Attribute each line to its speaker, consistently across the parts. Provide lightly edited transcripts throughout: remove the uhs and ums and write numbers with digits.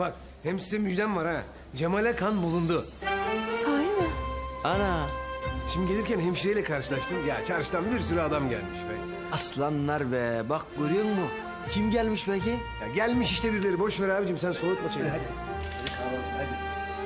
Speaker 1: Bak hem size müjdem var ha. Cemal'e kan bulundu.
Speaker 2: Sahi mi?
Speaker 3: Ana,
Speaker 1: Şimdi gelirken hemşireyle karşılaştım. Ya çarşıdan bir sürü adam gelmiş be.
Speaker 3: aslanlar be. Bak görüyor musun? Kim gelmiş peki?
Speaker 1: Ya gelmiş işte birileri. Boş ver abicim sen soğutma çayını hadi. Hadi kahvaltı hadi.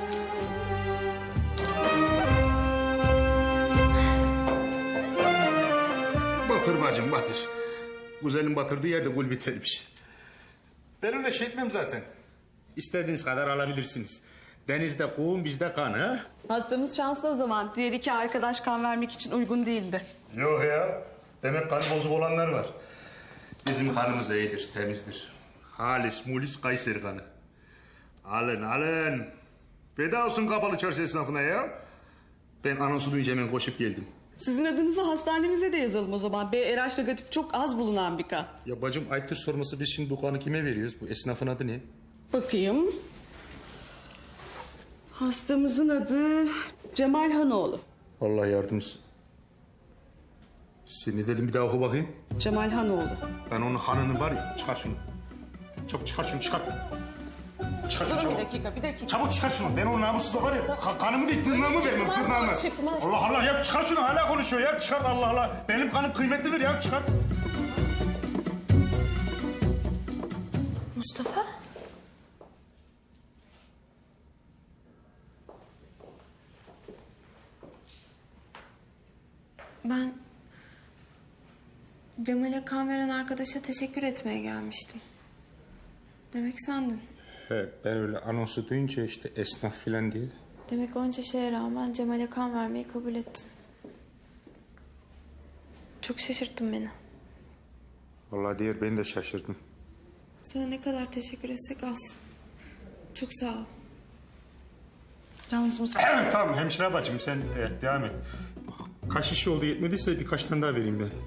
Speaker 4: Batır bacım batır. Güzelin batırdığı yerde gül bitermiş. Ben öyle şey etmem zaten. İstediğiniz kadar alabilirsiniz. Denizde kum bizde kan ha?
Speaker 5: Hastamız şanslı o zaman. Diğer iki arkadaş kan vermek için uygun değildi.
Speaker 4: Yok ya. Demek kanı bozuk olanlar var. Bizim kanımız iyidir, temizdir. Halis, mulis, Kayseri kanı. Alın, alın. Feda olsun kapalı çarşı esnafına ya. Ben anonsu duyunca hemen koşup geldim.
Speaker 5: Sizin adınızı hastanemize de yazalım o zaman. RH negatif çok az bulunan bir kan.
Speaker 4: Ya bacım ayıptır sorması, biz şimdi bu kanı kime veriyoruz? Bu esnafın adı ne?
Speaker 5: Bakayım. Hastamızın adı Cemal Hanoğlu.
Speaker 4: Allah yardımcısı. Seni dedim bir daha oku bakayım.
Speaker 5: Cemal Hanoğlu.
Speaker 4: Ben onun hanını var ya, çıkar şunu. Çabuk çıkar şunu, çıkar. Çıkar şunu
Speaker 5: Durun
Speaker 4: çabuk.
Speaker 5: bir dakika.
Speaker 4: Çabuk çıkar şunu. Ben o namussuzla var ya, kanımı değil tırnağımı vermem,
Speaker 5: Çıkmaz,
Speaker 4: tırnağımı.
Speaker 5: çıkmaz.
Speaker 4: Allah Allah ya çıkar şunu, hala konuşuyor ya. Çıkar Allah Allah. Benim kanım kıymetlidir ya, çıkar.
Speaker 2: Mustafa? Ben Cemal'e kan veren arkadaşa teşekkür etmeye gelmiştim. Demek sendin.
Speaker 4: He, ben öyle anonsu duyunca işte esnaf filan diye.
Speaker 2: Demek onca şeye rağmen Cemal'e kan vermeyi kabul ettin. Çok şaşırttın beni.
Speaker 4: Vallahi diğer beni de şaşırdım.
Speaker 2: Sana ne kadar teşekkür etsek az. Çok sağ ol.
Speaker 5: Yalnız
Speaker 4: Evet tamam hemşire bacım sen devam et. Bak, kaç şişe oldu yetmediyse birkaç tane daha vereyim ben.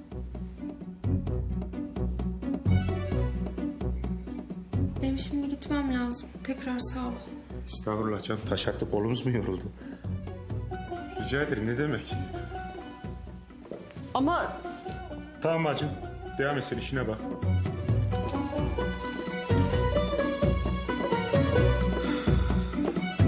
Speaker 2: Benim şimdi gitmem lazım. Tekrar sağ ol.
Speaker 4: Estağfurullah canım, taş attı kolumuz mu yoruldu? Rica ederim, ne demek?
Speaker 5: ama
Speaker 4: Tamam bacım, devam et sen işine bak.